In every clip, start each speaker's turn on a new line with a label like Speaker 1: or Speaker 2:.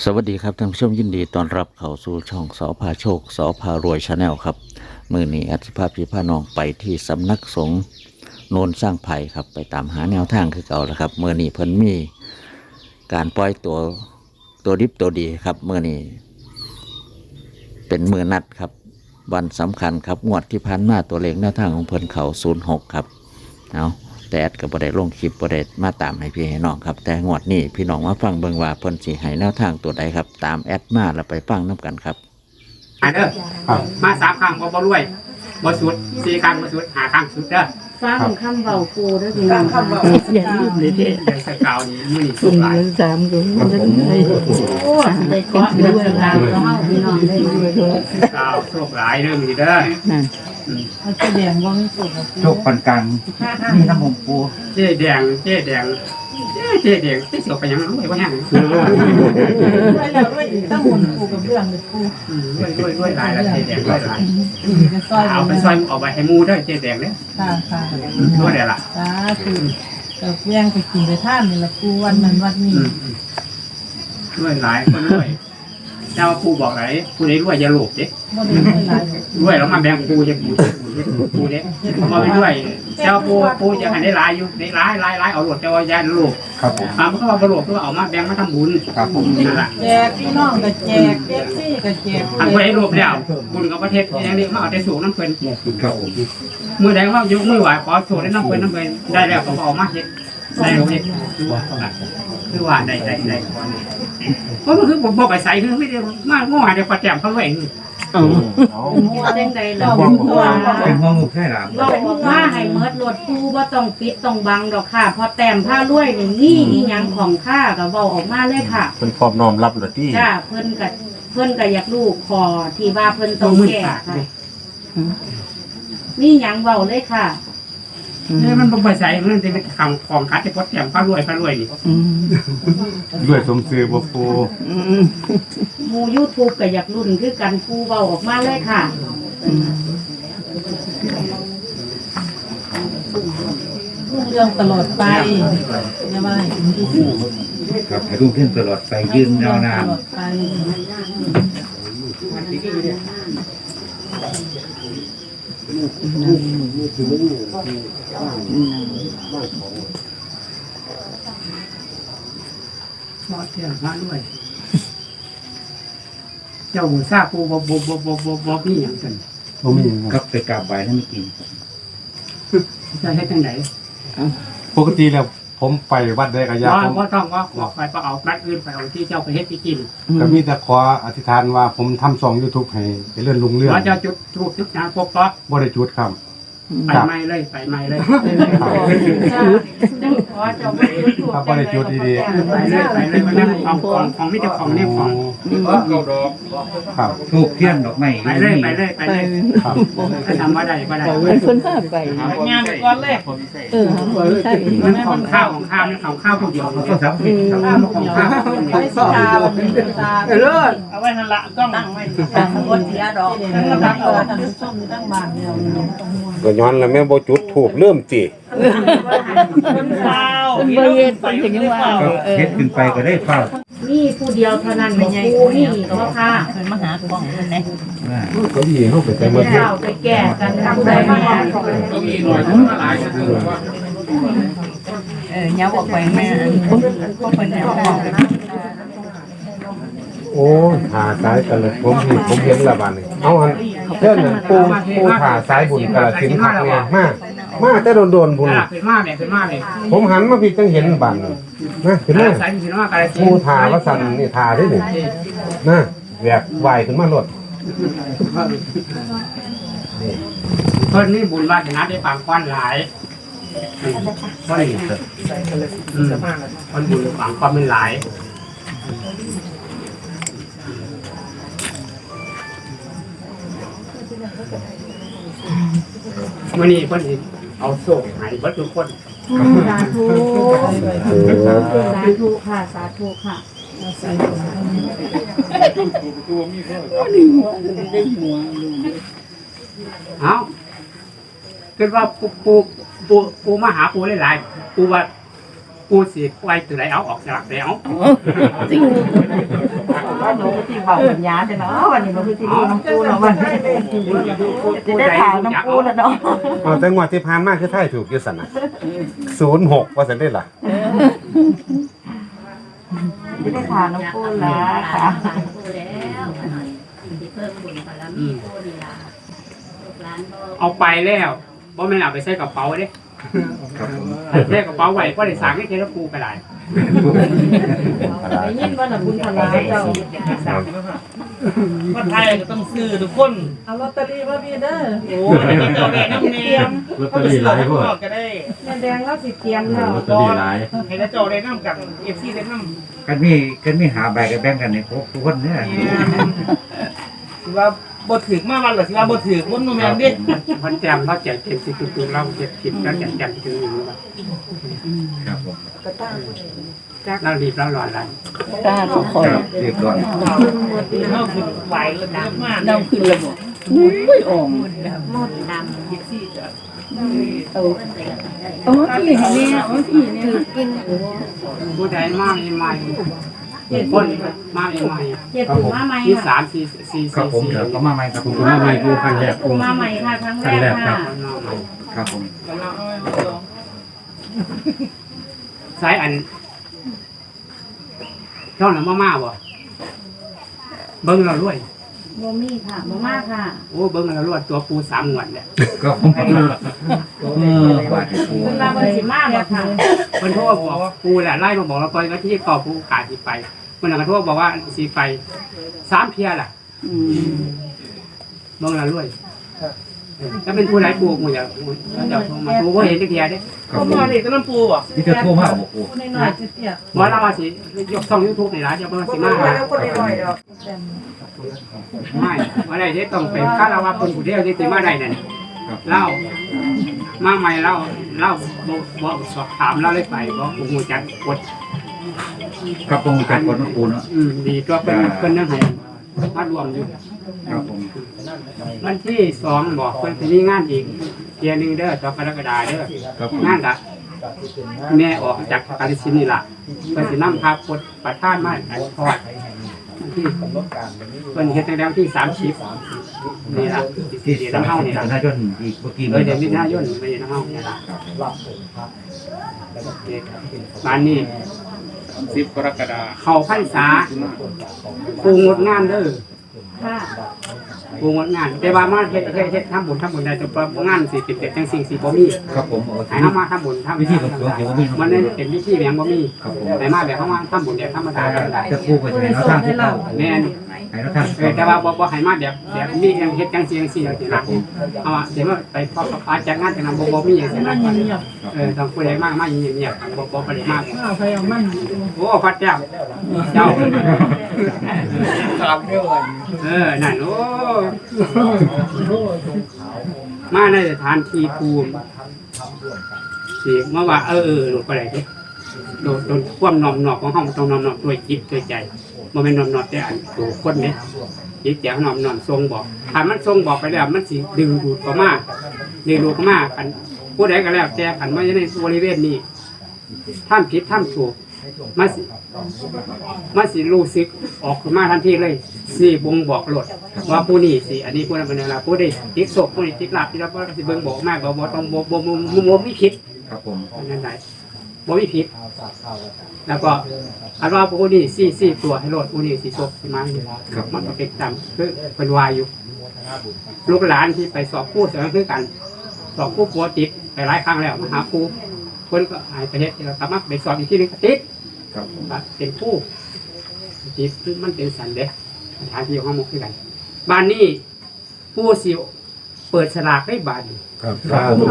Speaker 1: สวัสดีครับท่านผู้ชมยินดีต้อนรับเข้าสู่ช่องสอพาโชคสอพารวยชาแนลครับมือนี้อัศภาพพี่พาน้องไปที่สำนักสงฆ์โนนสร้างไผ่ครับไปตามหาแนวทางคือเก่าแล้วครับมือนี้เพิ่นมีการปล่อยตัวดิบตัวดีครับมือนี้เป็นมือนัดครับวันสำคัญครับงวดที่ผ่านมาตัวเลขแนวทางของเพิ่นเขา06ครับเอาแต่แอดก็บ่ได้ลงคลิปบ่ได้มาตามให้พี่ให้น้องครับแต่งวดนี้พี่น้องมาฟังเบิ่งว่าเพิ่นสิให้แนวทางตัวใดครับตามแอดมาแล้วไปฟังนํกันครับ
Speaker 2: เด้อมา3 ครั้งบ่รวยบ่สุด4 ครั้งบ่สุด5 ครั้งสุดเด้อ
Speaker 3: ฟังคำเบาปูด้วยพี่น้องอย่าลืมเลยเด้อ
Speaker 2: เดือนสกาวนี้มื้อนี้สุดหลาย
Speaker 3: สามก็ได้โอ้ได้เกาะด้วยลาวเฮาพี่น้องได้ด้วย
Speaker 2: สาวโชคหลายเด้อมื้อนี้เด้อ
Speaker 3: นั่นมันแสดงว่ามีสุข
Speaker 4: โชคปานกลางนี่น้ำหงปู
Speaker 2: เจ๊แดงที่เสียวไปยังรวยบ่แห้ง
Speaker 3: แล้วด้วยต้องหมุนปูกับเรื่องเลยปู
Speaker 2: รวยหลายแล้วเจ๊แดงรวยหลายเอาไปซอยเอาไปให้หมู่เด้อเจ๊แดงเด้อ
Speaker 3: ค่ะ
Speaker 2: รวยได้ล่ะ
Speaker 3: สาธุกับแย่งไปกินไปท่านนี่ละปูวันนั้นวันนี้
Speaker 2: รวยหลายคนรวยเจ้าปู่บอกไหนผู้ใดรวยอย่าโลภเด้รวยแล้วมาแบ่งปู่จะปู่เด้มาไปด้วยเจ้าปู่จะให้ได้หลายอยู่ได้หลายเอาโลภเจ้าอย่าโลภ
Speaker 4: ครับผม
Speaker 2: มันก็ว่าบ่โลภก็เอามาแบ่งมาทำบุญ
Speaker 4: ครับผม
Speaker 2: นั่นล่ะ
Speaker 3: แจกพี่น้องก็แจกเอฟซีก็แจก
Speaker 2: อันบ่ได้โลภแล้วบุญกับประเทศอย่างนี้มาเอาแต่สูงน้ำเพิ่น
Speaker 4: ครับผม
Speaker 2: มื้อใดว่ายกมือไหว้ขอโทษได้น้ำเพิ่นได้แล้วก็เอามาเฮ็ดได้โลเฮ็ดคือว่าได้เพราะมันคือบ่ไปใส่คือไม่ได้มาง้อได้ประแจมเขาไว้
Speaker 3: จังใดล่ะ
Speaker 4: เป็นงองูใช่หรอ
Speaker 3: เราบอกว่าให้เมิดรถปูบ่ต้องปิดต้องบังดอกค่ะพอแต้มผ้ารวยนี่อีหยังของข้าก็เว้าออกมาเลยค่ะ
Speaker 4: เพิ่นพร้อมน้อมรับเลยที่
Speaker 3: จ้าเพิ่นก็อยากรู้ขอที่ว่าเพิ่นต้องแก้ค่ะนี่หยังเว้าเลยค่ะ
Speaker 2: มันบ่ไปใส่มันจะเป็นของคัดจะพดแต้มผ้ารวยนี่
Speaker 4: ด้วยสมซื่อบ่ปู
Speaker 3: หมู่ YouTube ก็อยากรุ่นคือกันปูเว้าออกมาเลยค่ะเรื่องตลอดไปใช่ไหม
Speaker 4: ครับให้รุ่งขึ้นตลอดไปยืนยาวนาน
Speaker 2: พอเที่ยงพระด้วยเจ้าทราบปูบ่มีอย่างกัน
Speaker 4: บ่มีครับไปกราบไหว้ให้มันกิน
Speaker 2: จะให้จังไหน
Speaker 4: ปกติแล้วผมไปวัดใดก็ยาก
Speaker 2: ผมต้องว่าขอไปเอานัดอื่นไปเอาที่เจ้าไปเฮ็ดไปกิน
Speaker 4: ก็มีแต่ขออธิษฐานว่าผมทำช่อง YouTube ให้เลื่อนลุงเรื่อง
Speaker 2: ว่าจะจุดทูบจุดน้ำพกก็
Speaker 4: บ่ได้จุดครับ
Speaker 2: ไปไม่เลย
Speaker 4: ครับบ่ได้จุดดี
Speaker 2: ๆไปเลยมันของไม่เจ้าของนี่ของ
Speaker 4: ครับทูบเทียนดอกไม้
Speaker 2: ไปเลยครับถ้าทำว่าได้ก็ได้
Speaker 3: คนพาไปงานก่อนเลย
Speaker 2: ใช่มันของข้าวนี่ของข้าวผู้เดียวของข้าว
Speaker 3: ไม่ตา
Speaker 2: เอาไว้ทันละต้องตั้งไว้
Speaker 3: บนเสียดอกตั้งท่านผู้ชมตั้งบ้านเดียว
Speaker 4: ก็ย้อนแล้วแม่บ่จุดถูกเริ่มจิ
Speaker 3: เฮ็ดเป็นจังว่า
Speaker 4: เฮ็ดขึ้นไปก็ได้เฝ้า
Speaker 3: นี่ผู้เดียวเท่านั้นบ่ผู้นี่ก็ค่ะเพิ่นมาหากล้องเพิ่นแน่
Speaker 4: ก็ดีเฮาไปแต่
Speaker 3: มื้อเช้าไปแก้กันผู้ใดมา
Speaker 2: ก็มีหน่อยหลาย
Speaker 3: ยาวออกไปแม่ก็เพิ่นแล้ว
Speaker 4: โอ้ผ่าซ้ายกันเลยผมเห็นละบาดนี่เอาหั่นเพิ่นน่ะปูผ่าซ้ายบุญกะสินคักเนี่ยมาแต่โดนบุญ
Speaker 2: ขึ้นมาเลย
Speaker 4: ผมหันมาพี่จังเห็นบานนะขึ้นมาปูผ่าว่าสั่นนี่ผ่าได้นี่นะแหวกไหวขึ้นมาหลด
Speaker 2: เพิ่นนี่บุญวาสนาได้ปางควันหลายคนบุญปางควันเป็นหลายวันนี้คนเอาโซ่หายวัดทุกคน
Speaker 3: สาธุค่ะสาธุค่ะ
Speaker 2: เอาคิดว่าปูมาหาปูหลายๆปูว่าปูสิไว้ตัวไหนเอาออกสลักแล้ว
Speaker 3: จริง
Speaker 5: ว่าหนูก็ที่เบาสัญญาใช่เนาะวันนี้มันคือที่ดูน้ำปูเนาะวันนี้จะได้ถามน้ำปูแล้วเนาะ
Speaker 4: เอาแต่งวดที่ผ่านมาคือไทยถูกอยู่สั่นน่ะ06ว่าซั่นได้ล่ะ
Speaker 5: จะได้ถามน้ำปูแล้วค่ะ
Speaker 2: เอาไปแล้วบ่แม่นเอาไปใส่กระเป๋าเด้
Speaker 4: ครับผม
Speaker 2: ใส่กระเป๋าไว้บ่ได้สร้างให้เทระปูก็ได้
Speaker 3: ได้ยินว่าน่ะบุญพลาเจ้า
Speaker 6: ว่าไทยก็ต้องซื้อทุกคน
Speaker 5: เอาลอตเตอรี่มาพี่เด้อ
Speaker 6: โอ้ยเจ้าแม่น้ำเนียม
Speaker 7: ลอตเตอรี่หลายพวก
Speaker 6: ก็ได้
Speaker 3: แม่แดงเราสิเตรียมแล้ว
Speaker 7: ลอตเตอรี่หลาย
Speaker 6: ให้เจ้าได้น้ำกับเอฟซีได้น้ำ
Speaker 7: กันมีหาใบกันแบ่งกันในพวกทุกคนเนี่ย
Speaker 6: สิว่าบ่ถือมาวันหรือสิว่าบ่ถือคนโนแมนดิ
Speaker 2: พันแจมเราแจกเต็มสิตุกๆเราเก็บผิดแล้วแจกถึงอยู่ว่า
Speaker 7: ครับผม
Speaker 2: เรารีบเราร้อนแล้ว
Speaker 5: ตาทุกคน
Speaker 7: ครับเรียบร้อย
Speaker 6: เราคือไหวเลยนะมาก
Speaker 5: น้ำขึ้นระบบอุ้ยอ่อง
Speaker 6: เอฟซีจะ
Speaker 5: เอามาพี่ให้แม่เอามาพี่เนี่ย
Speaker 2: ผู้ใดมาใหม่คนมาใหม่
Speaker 3: เจ็ดถึงมาใหม่
Speaker 2: ที่
Speaker 3: ค่ะ
Speaker 2: 3 4
Speaker 7: ครับผม
Speaker 2: 4
Speaker 7: เดี๋ยว
Speaker 2: 4
Speaker 7: ก็มาใหม่ครับผมมาใหม่ดูครั้งแรก
Speaker 3: ปูมาใหม่ค่ะครั้งแรกค่ะ
Speaker 7: ครับผม
Speaker 6: กำลังเอาลอง
Speaker 2: สายอันช่องน้ำมาบ่เบิ้งเรารวย
Speaker 3: บ่มีค่ะบ่มากค่ะ
Speaker 2: โอ้เบิ้งเรารวยตัวปู3งวดเนี่ย
Speaker 7: ก็ผมบาทปู
Speaker 3: เพิ่นว่าเพิ่นสิมาบ่ค่ะ
Speaker 2: เพิ่นโทรบอกปูแหละไล่มาบอกเราตอนที่ก่อปูกาสิไปเพิ่นก็โทรบอกว่าสิไป3เที่ยล่ะเบิ้งเรารวยถ้าเป็นผู้ใดปูหมู่อย่าโทรมาปูบ่เห็นจักเที่ยเด้
Speaker 7: ครับ
Speaker 6: ผม
Speaker 7: ผม
Speaker 6: มาเด็กต้นปูอ่ะ
Speaker 7: นี่จะโทรมาบอกปู
Speaker 5: น้อยๆเตี้ย
Speaker 2: บ่เราว่าสิยกช่อง YouTube นี่ล่ะจะบ่สิมาไม่ว่าได้เด้ต้องเป็นคารวะคนผู้เดียวที่สิมาได้นั่น
Speaker 7: ครับ
Speaker 2: เล่ามาใหม่เล่าบอกสอบถามเล่าเลยไปบอกโอ้โหจัดกด
Speaker 7: ครับตรงจัดกดน้ำปูเนาะ
Speaker 2: ดีตัวเป็นนั่งให้มารวมอยู่
Speaker 7: ครับผม
Speaker 2: วันที่2บอกเพิ่นจะมีงานอีกเทียนึงเด้อ2กรกฎาคมเด้อ
Speaker 7: ครับผม
Speaker 2: งานละแม่ออกจากกาฬสินธุ์นี่ล่ะเพิ่นสินำพาพดประธานมาอันทอดที่เพิ่นเฮ็ดตั้งแต่วันที่30นี่ล่ะ
Speaker 7: ที่
Speaker 2: ที่
Speaker 7: สา
Speaker 2: น้ำเฮานี่
Speaker 7: ธา
Speaker 2: ล่ะ
Speaker 7: รณชนอีกเมื่อกี้
Speaker 2: เดือนมิถุนายนไปน้ำเฮานี่ล่ะบ้านนี้
Speaker 6: 10 กรกฎาคม
Speaker 2: เข้าพรรษาปูงดงานเด้อ
Speaker 3: ค่ะ
Speaker 2: ปูงดงานแต่ว่ามาเฮ็ดทำบุญได้แต่ว่างานสิเป็นจังสิ่งสิบ่มี
Speaker 7: ครับผมโอ้
Speaker 2: ให้เฮามาทำบุญทำ
Speaker 7: วิธีของตัวเกี่ยวกับมี
Speaker 2: มันเป็นวิธีแบบบ่มี
Speaker 7: ครับผม
Speaker 2: ให้มาแบบเฮามาทำบุญแบบธรรมดาก็ได้
Speaker 7: จะปูไปใช้แนวทางที่เรา
Speaker 2: แม่น
Speaker 7: ให้แนวทาง
Speaker 2: แต่ว่าบ่ให้มาแบบมีเฮ็ดจังซี่จังซี่จังซี่นะเอาว่าสิมาไปพออาจัดงานจังนั้นบ่มีจังซี่นะต้องผู้ใดมาอย่างเงียบบ่ไปมาก
Speaker 5: เอาไปเอามัน
Speaker 2: โอ้พระเจ้าเจ้า
Speaker 6: ครับเรื่องอะไร
Speaker 2: นั่นโอ้มาในสถานที่ภูมิสิมาว่าหลุดไปไหนดิโดนความนอมนอกของห้องต้องนอมนอกด้วยจิตด้วยใจมันเป็นนอมนอกแต่อันตัวคนเนี่ยจิตใจนอมนอกทรงบอกถ้ามันทรงบอกไปแล้วมันสิดึงดูดเข้ามาดึงดูดเข้ามากันผู้ใดก็แล้วแต่ขันว่าในบริเวณนี้ท่านผิดท่านถูกมาสิรู้สึกออกมาทันทีเลยสิบ่งบอกโลดว่าผู้นี้สิอันนี้ผู้นั้นเป็นอะไรผู้ใดติดศพผู้นี้ติดลาบที่เราก็สิเบิ่งบอกมากบ่ต้องบ่มีผิด
Speaker 7: ครับผม
Speaker 2: นั่นได้บ่มีผิดแล้วก็อันว่าผู้นี้สี่ตัวให้โลดผู้นี้สิศพสิมาครับมันก็เป็นตามคือเป็นวายอยู่ลูกหลานที่ไปสอบผู้เสมอคือกันสอบผู้ปัวติดไปหลายครั้งแล้วมาหาครูคนก็หายไปเฮ็ดแล้วกลับมาไปสอบอีกที่นึงก็ติด
Speaker 7: ครับผม
Speaker 2: เป็นผู้จิตมันเป็นสันเด็กสถานที่ของเขาหมกด้วยกันบ้านนี้ผู้สิเปิดสลากได้บ้านนี้
Speaker 4: ครับ
Speaker 7: ครับผม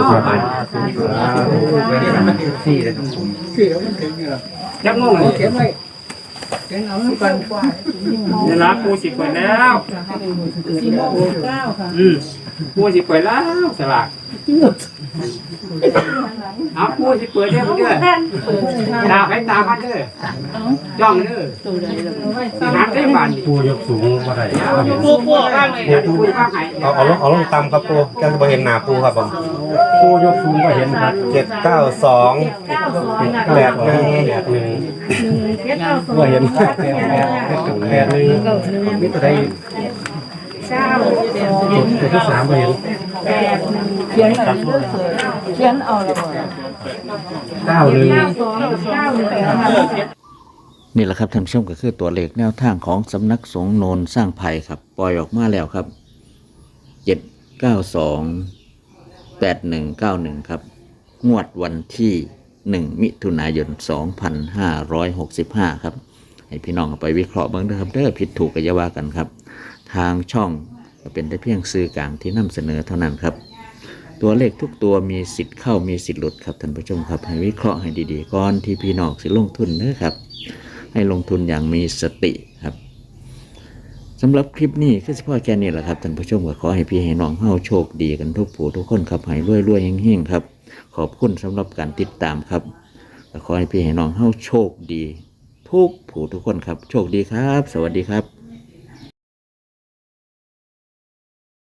Speaker 7: เป็นมันเป็นสี่เลยครับผม
Speaker 2: ยักงงเลย
Speaker 6: เก็บไว้เก็บเอาไว้ก่อน
Speaker 2: เวลาผู้สิเปิดแล้ว
Speaker 5: 4:09ค่ะ
Speaker 2: ผู้สิเปิดแล้วสลากเอาผู้สิเปิดเด้อเด้อตาไปตาพันเด้อจ้องเด้อสิหาได้บ้านนี้
Speaker 4: ปูยกสูงบ่ได้
Speaker 6: ปูข้างเลย
Speaker 2: ผู้ข้างไหน
Speaker 4: เอาลงต่ำครับปูแกจะบ่เห็นหน้าปูครับผม
Speaker 7: ปูยกสูงก็เห็นครับ
Speaker 4: 792 81 81
Speaker 3: 792
Speaker 7: ว่าเห็นแปดหนึ่งมีตัวใด ตัวที่สามว่าเห็น
Speaker 5: เขียนอะไรเลือกเลยเขียนเอาละบ่
Speaker 7: 91
Speaker 1: นี่แหละครับท่านผู้ชมก็คือตัวเลขแนวทางของสำนักสงฆ์โนนสร้างไผ่ครับ ปล่อยออกมาแล้วครับ 7928191ครับงวดวันที่1มิถุนายน2565ครับให้พี่น้องเอาไปวิเคราะห์เบ้างนะครับเด้อผิดถูกก็อย่าว่ากันครับทางช่องก็เป็นได้เพียงสื่อกลางที่นำเสนอเท่านั้นครับตัวเลขทุกตัวมีสิทธิ์เข้ามีสิทธิ์หลุดครับท่านผู้ชมครับให้วิเคราะห์ให้ดีๆก่อนที่พี่น้องสิลงทุนเด้อครับให้ลงทุนอย่างมีสติครับสำหรับคลิปนี้คือเฉพาะแค่นี้แหละครับท่านผู้ชมก็ขอให้พี่ให้น้องเฮาโชคดีกันทุกผู้ทุกคนครับให้รวยๆเฮงๆครับขอบคุณสำหรับการติดตามครับขอให้พี่ให้น้องเฮาโชคดีทุกผู้ทุกคนครับโชคดีครับสวัสดีครับ